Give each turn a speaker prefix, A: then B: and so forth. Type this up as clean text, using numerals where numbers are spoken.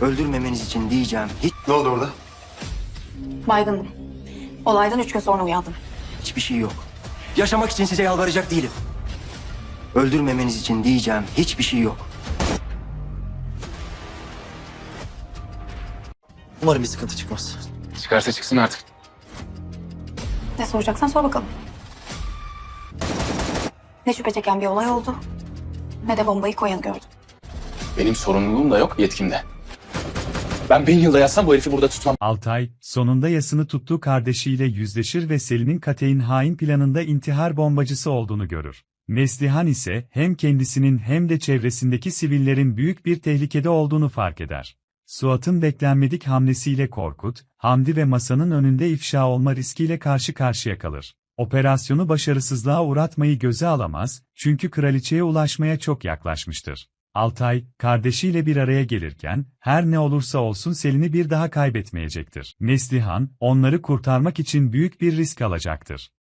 A: Öldürmemeniz için diyeceğim
B: Ne oldu orada?
C: Baygındım. Olaydan 3 gün sonra uyandım.
A: hiçbir şey yok. Yaşamak için size yalvaracak değilim. Öldürmemeniz için diyeceğim hiçbir şey yok.
D: Umarım bir sıkıntı çıkmaz.
E: Çıkarsa çıksın artık.
C: Ne soracaksan sor bakalım. Ne şüphe çeken bir olay oldu, ne de bombayı koyanı gördüm.
E: Benim sorumluluğum da yok, yetkim de. Ben 1000 yılda yatsam bu herifi burada tutmam.
F: Altay, sonunda yasını tuttuğu kardeşiyle yüzleşir ve Selin'in katein hain planında intihar bombacısı olduğunu görür. Neslihan ise hem kendisinin hem de çevresindeki sivillerin büyük bir tehlikede olduğunu fark eder. Suat'ın beklenmedik hamlesiyle Korkut, Hamdi ve masanın önünde ifşa olma riskiyle karşı karşıya kalır. Operasyonu başarısızlığa uğratmayı göze alamaz, çünkü kraliçeye ulaşmaya çok yaklaşmıştır. Altay, kardeşiyle bir araya gelirken, her ne olursa olsun Selin'i bir daha kaybetmeyecektir. Neslihan, onları kurtarmak için büyük bir risk alacaktır.